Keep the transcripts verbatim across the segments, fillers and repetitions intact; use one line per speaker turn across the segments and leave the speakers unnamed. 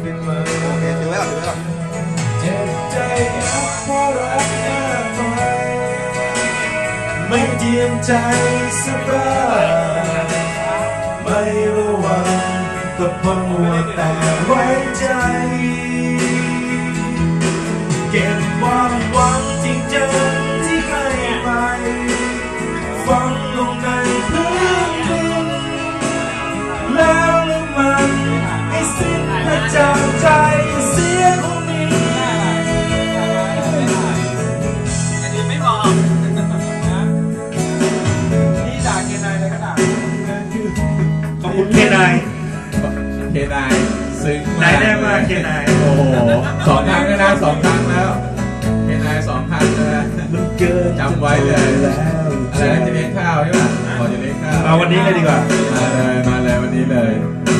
เป็นมาโอเคถือไว้ก่อนถือไว้ก่อน
เจ็บใจเพราะรักมากไปไม่เตรียมใจสบายไม่ระวังก็พอมัวแต่ไว้ใจเก็บความหวังจริงจังที่ให้ไปฝังลงในพื้นดินแล้วลืมมันให้สิ้นให้จางใจเสียคนนี้
อันนี้ไม่บอกนี่ด่าเกนายเลยก็ด่า
ขอบคุณเคนาย
เคนายซึ้ง
นายแน่มากเคนาย
โอ้โหสองครั้งแล้วนะสองครั้งแล้วเคนายสองครั้งแล้วจำไว้เลยอะไรนะจะเลี้ยงข้าวใช่ป่ะพอจะเลี้ยงข้าว
เอาวันนี้เลยดีกว่า
มาเลยมาเลยวันนี้เลย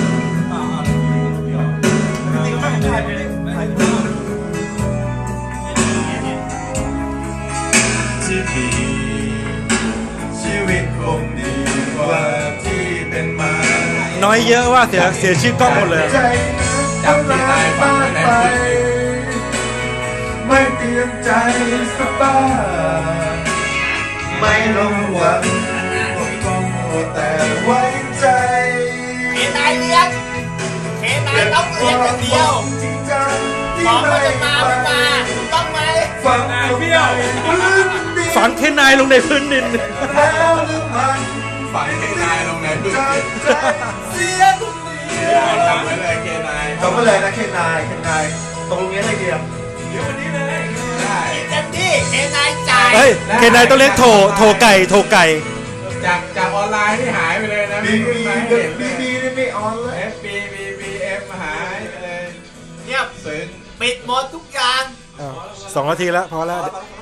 ชีวิตคงดีกว่าที่เป็นมา
น้อยเยอะว่าเสียเสียชื่อกล้องหมดเลย
จำที่นายฟังไว้ในพื้นที่
ไม่เตรียมใจสบายไม่ลงหวังต้องแต่ไว้ใจ
เคนายเลี้ยงเคนายต้องเลี้ยงคนเดียวของมันจะมาไม่มาต้องไหม
ฝังเบี้ยว
ฝังเคนายลงในพื้นดิน
แล้วลืมมัน
ฝังเคนายลงในพื้นดิน
เสียทุกที
จำไว้เลยเคนาย
จำไว้เลยนะเคนายเคนายตรงนี้เลยเดียว
เดี๋ยววันนี้เลย
ได้เต็มที่เคนายจ่าย
เฮ้ยเคนายต้องเลี้ยงโถโถไก่โถไก่
จากจากออนไลน์ที่หายไปเลยนะ
บีบีบีบีไม่ออนเลย
เอฟบีบีบีเอฟหายไปเลย
เงียบ
ซึ้ง
ปิดหมดทุกอย่าง
สองนาทีแล้วพอแล้ว